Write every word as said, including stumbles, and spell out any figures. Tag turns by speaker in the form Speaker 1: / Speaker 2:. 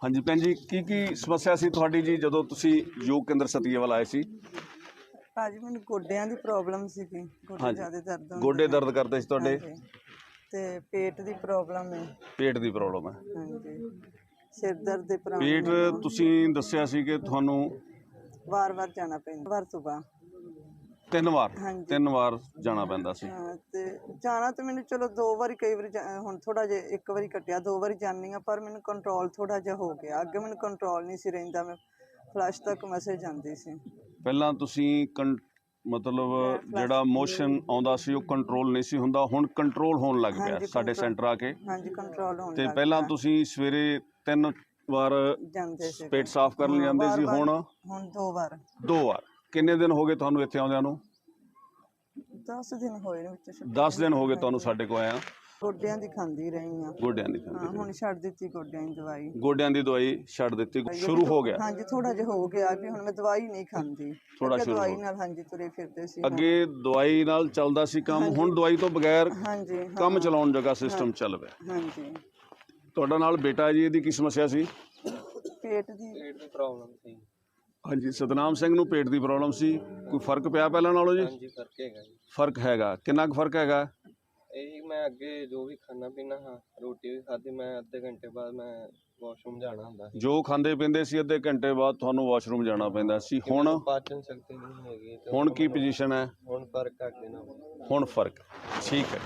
Speaker 1: हाँ जी भैन जी की की समस्या सी तुहाडी जी जदों तुसी योग केंद्र सतीएवाल आए सी?
Speaker 2: ਭਾਜੀ ਮੈਨੂੰ ਗੋਡਿਆਂ ਦੀ ਪ੍ਰੋਬਲਮ ਸੀਗੀ,
Speaker 1: हाँ
Speaker 2: ਗੋਡੇ
Speaker 1: जी
Speaker 2: ਜ਼ਿਆਦਾ ਦਰਦ ਹੁੰਦੇ
Speaker 1: गोडे
Speaker 2: ਨੇ।
Speaker 1: दर्द करते सी तुहाडे?
Speaker 2: ਹਾਂਜੀ ਤੇ ਪੇਟ ਦੀ ਪ੍ਰੋਬਲਮ ਹੈ।
Speaker 1: पेट की प्रॉब्लम है?
Speaker 2: ਹਾਂਜੀ ਸਿਰ ਦਰਦ ਦੀ ਪ੍ਰੋਬਲਮ
Speaker 1: पेट
Speaker 2: ਮੈਨੂੰ
Speaker 1: तुसी दस्सिया सी कि तुहानू
Speaker 2: ਵਾਰ-ਵਾਰ ਜਾਣਾ ਪੈਂਦਾ, ਵਾਰ ਸੁਬਾ
Speaker 1: तीन वार
Speaker 2: ਹਾਂਜੀ
Speaker 1: तीन वार जाना पैंदा सी।
Speaker 2: ਹਾਂ ਤੇ ਜਾਣਾ ਤੇ ਮੈਨੂੰ ਚਲੋ ਦੋ ਵਾਰੀ ਕਈ ਵਾਰੀ ਜਾ- ਹੁਣ ਥੋੜਾ ਜਿਹਾ ਇੱਕ ਵਾਰੀ ਕੱਟਿਆ, ਦੋ ਵਾਰੀ ਜਾਂਦੀ ਆ, ਪਰ ਮੈਨੂੰ ਕੰਟਰੋਲ ਥੋੜਾ ਜਿਹਾ ਹੋ ਗਿਆ। ਅੱਗੇ ਮੈਨੂੰ ਕੰਟਰੋਲ ਨਹੀਂ ਸੀ ਰਹਿੰਦਾ, ਮੈਂ ਫਲਸ਼ ਤੱਕ ਮੈਸੇਜ ਜਾਂਦੀ ਸੀ।
Speaker 1: ਪਹਿਲਾਂ ਤੁਸੀਂ ਕੰ ਮਤਲਬ ਜਿਹੜਾ ਮੋਸ਼ਨ ਆਉਂਦਾ ਸੀ ਉਹ ਕੰਟਰੋਲ ਨਹੀਂ ਸੀ ਹੁੰਦਾ, ਹੁਣ ਕੰਟਰੋਲ ਹੋਣ ਲੱਗ ਪਿਆ
Speaker 2: ਹਾਂਜੀ,
Speaker 1: ਸਾਡੇ
Speaker 2: control-
Speaker 1: ਸੈਂਟਰ ਆ ਕੇ।
Speaker 2: ਹਾਂਜੀ ਕੰਟਰੋਲ ਹੋਣ
Speaker 1: ਤੇ
Speaker 2: ਲੱਗ
Speaker 1: ਪਹਿਲਾਂ
Speaker 2: ਪਿਆ।
Speaker 1: ਤੁਸੀਂ ਸਵੇਰੇ ਤਿੰਨ ਵਾਰ
Speaker 2: ਜਾਂਦੇ ਸੀ
Speaker 1: ਪੇਟ ਸਾਫ਼ ਕਰਨ ਜਾਂਦੇ ਸੀ, ਹੁਣ
Speaker 2: ਹੁਣ ਦੋ ਵਾਰ
Speaker 1: ਦੋ ਵਾਰ। ਕਿੰਨੇ ਦਿਨ ਹੋ ਗਏ ਤੁਹਾਨੂੰ ਇੱਥੇ ਆਉਂਦਿਆਂ ਨੂੰ?
Speaker 2: ਦਸ ਦਿਨ ਹੋਏ ਨੇ ਵਿੱਚ ਛੁੱਟੀ।
Speaker 1: ਦਸ ਦਿਨ ਹੋ ਗਏ ਤੁਹਾਨੂੰ ਸਾਡੇ ਕੋਲ ਆਇਆ।
Speaker 2: ਗੋਡਿਆਂ ਦੀ ਖਾਂਦੀ ਰਹੀ ਆ।
Speaker 1: ਗੋਡਿਆਂ ਦੀ
Speaker 2: ਹਾਂ
Speaker 1: ਖਾਂਦੀ
Speaker 2: ਹੁਣ ਛੱਡ ਦਿੱਤੀ ਗੋਡਿਆਂ ਦੀ ਦਵਾਈ।
Speaker 1: ਗੋਡਿਆਂ ਦੀ ਦਵਾਈ ਛੱਡ ਦਿੱਤੀ, ਸ਼ੁਰੂ ਹੋ ਗਿਆ?
Speaker 2: ਹਾਂਜੀ ਥੋੜਾ ਜਿਹਾ ਹੋ ਗਿਆ ਵੀ ਹੁਣ ਮੈਂ ਦਵਾਈ ਨਹੀਂ ਖਾਂਦੀ।
Speaker 1: ਥੋੜਾ
Speaker 2: ਅੱਗੇ
Speaker 1: ਸ਼ੁਰੂ
Speaker 2: ਦਵਾਈ
Speaker 1: ਹੋ
Speaker 2: ਨਾਲ ਹਾਂਜੀ ਤੁਰੇ ਫਿਰਦੇ ਸੀ।
Speaker 1: ਅੱਗੇ ਦਵਾਈ ਨਾਲ ਚੱਲਦਾ ਸੀ ਕੰਮ, ਹੁਣ ਦਵਾਈ ਤੋਂ ਬਗੈਰ
Speaker 2: ਹਾਂਜੀ ਹਾਂ,
Speaker 1: ਕੰਮ ਚਲਾਉਣ ਜਗ੍ਹਾ ਸਿਸਟਮ ਚੱਲ ਪਿਆ।
Speaker 2: ਹਾਂਜੀ
Speaker 1: ਤੁਹਾਡਾ ਨਾਲ ਬੇਟਾ ਜੀ, ਇਹਦੀ ਕੀ ਸਮੱਸਿਆ ਸੀ?
Speaker 2: ਪੇਟ ਦੀ
Speaker 3: ਪੇਟ ਦੀ ਪ੍ਰੋਬਲਮ ਸੀ।
Speaker 1: ਹਾਂਜੀ ਸਤਨਾਮ ਸਿੰਘ ਨੂੰ ਪੇਟ ਦੀ ਪ੍ਰੋਬਲਮ ਸੀ। ਕੋਈ ਫਰਕ ਪਿਆ ਪਹਿਲਾਂ ਨਾਲੋਂ ਜੀ?
Speaker 3: ਹਾਂਜੀ ਫਰਕ ਹੈਗਾ ਜੀ।
Speaker 1: ਫਰਕ ਹੈਗਾ, ਕਿੰਨਾ ਕੁ ਫਰਕ ਹੈਗਾ?
Speaker 3: ਇਹ ਮੈਂ ਅੱਗੇ ਜੋ ਵੀ ਖਾਣਾ ਪੀਣਾ ਹਾਂ, ਰੋਟੀ ਵੀ ਖਾਧੀ, ਮੈਂ ਅੱਧੇ ਘੰਟੇ ਬਾਅਦ ਮੈਂ ਵਾਸ਼ਰੂਮ ਜਾਣਾ ਹੁੰਦਾ ਸੀ।
Speaker 1: ਜੋ ਖਾਂਦੇ ਪੀਂਦੇ ਸੀ ਅੱਧੇ ਘੰਟੇ ਬਾਅਦ ਤੁਹਾਨੂੰ ਵਾਸ਼ਰੂਮ ਜਾਣਾ ਪੈਂਦਾ ਸੀ, ਹੁਣ
Speaker 3: ਪਾਚਨ ਸ਼ਕਤੀ ਨਹੀਂ ਹੈਗੀ ਤੇ
Speaker 1: ਹੁਣ ਕੀ ਪੋਜੀਸ਼ਨ ਹੈ?
Speaker 3: ਹੁਣ ਫਰਕ ਅੱਗੇ ਨਾਲ।
Speaker 1: ਹੁਣ ਫਰਕ ਠੀਕ ਹੈ।